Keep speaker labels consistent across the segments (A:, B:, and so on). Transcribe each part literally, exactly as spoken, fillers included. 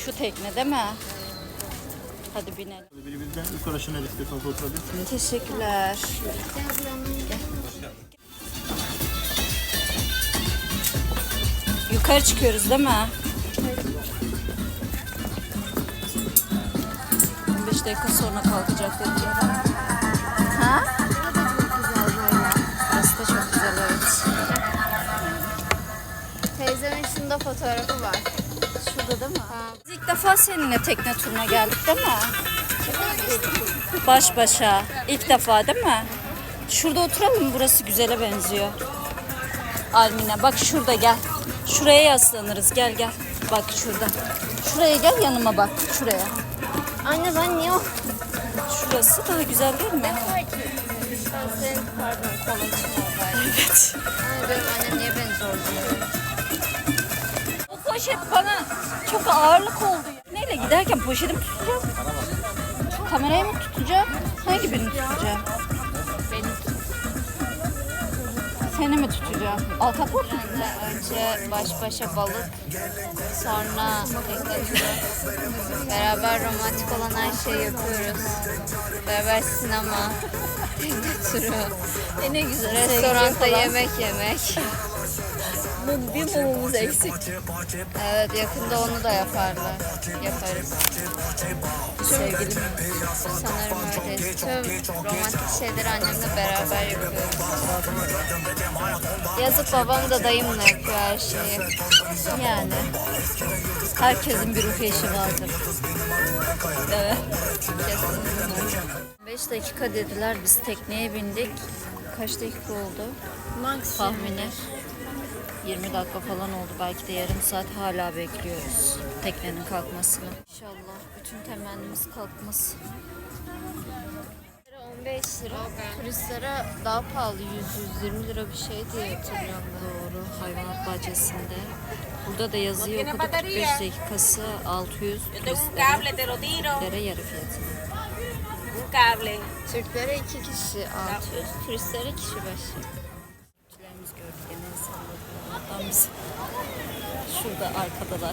A: Şu tekne değil mi? Hadi binelim.
B: Birimizden yukarı aşağıya istiyorsanız oturabilirsiniz.
A: Teşekkürler. Yukarı çıkıyoruz değil mi? on beş dakika sonra kalkacak dediler. Ha? Burası da çok güzel, evet.
C: Teyzemin şunda fotoğrafı var.
A: Şurada değil mi? Ha. Biz ilk defa seninle tekne turuna geldik değil mi? Baş başa. İlk defa değil mi? Şurada oturalım mı? Burası güzele benziyor. Almina bak şurada gel. Şuraya yaslanırız. Gel gel. Bak şurada. Şuraya gel, yanıma bak. Şuraya.
C: Anne ben niye o?
A: Şurası daha güzel değil mi?
C: Ben senin pardon kolun için oradaydım.
A: Evet.
C: Anne benim annem niye beni zorluyor?
A: O poşet bana çok ağırlık oldu. Neyle giderken poşetimi tutacağım? Kamerayı mı tutacağım? Hangi birini tutacağım?
C: Beni
A: Seni mi tutacağım? Altakot mu?
C: önce baş başa balık, sonra tekne turu. Beraber romantik olan her şeyi yapıyoruz. Beraber sinema, tekne turu,
A: E ne güzel.
C: restoranda
A: Sevgili falan.
C: yemek yemek.
A: Mum, bir mumumuz eksik.
C: Evet, yakında onu da yaparlar. Yaparız.
A: Sevgilim.
C: Sanırım öyle. Tüm romantik şeyleri annemle beraber yapıyoruz. Yazık babam da dayımla yapıyor her şeyi.
A: Yani. Herkesin bir ruh eşi vardır. Evet.
C: Kesinlikle.
A: beş dakika dediler, biz tekneye bindik. Kaç dakika oldu? Tahmini yirmi dakika falan oldu. Belki de yarım saat hala bekliyoruz teknenin kalkmasını. İnşallah bütün temennimiz kalkması.
C: on beş lira, turistlere daha pahalı yüz yüz yirmi lira bir şey diye hatırlıyorum ben.
A: Doğru, hayvanat bahçesinde. Burada da yazıyor, okuduk kırk beş dakikası altı yüz turistlere yarı fiyatına.
D: Un cable.
C: Türklere iki kişi altı yüz, turistlere kişi başı.
A: Türklerimiz gördük, gene insanlar. Allah'tan biz şurada arkadalar.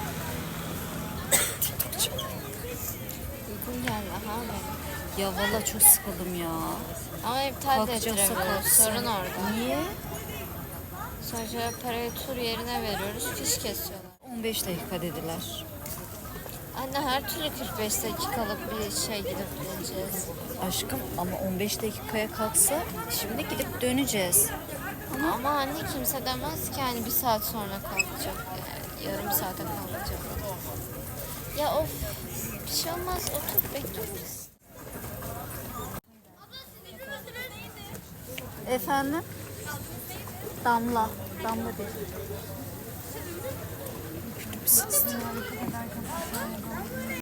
C: Uygun geldi ha benim.
A: Ya valla çok sıkıldım ya.
C: Ama iptal de
A: Kalkacaksa
C: ettiremiyoruz.
A: kalksın.
C: Sorun orada.
A: Niye?
C: Sonra parayı tur yerine veriyoruz, fiş kesiyorlar.
A: on beş dakika dediler.
C: Anne her türlü kırk beş dakikalık bir şey gidip geleceğiz.
A: Aşkım ama on beş dakikaya kalksa şimdi gidip döneceğiz.
C: Ama anne kimse demez ki hani bir saat sonra kalkacak. Yani yarım saate kalkacak. Ya of, bir şey olmaz, otur bekliyoruz.
A: Efendim? Damla. Damla değil.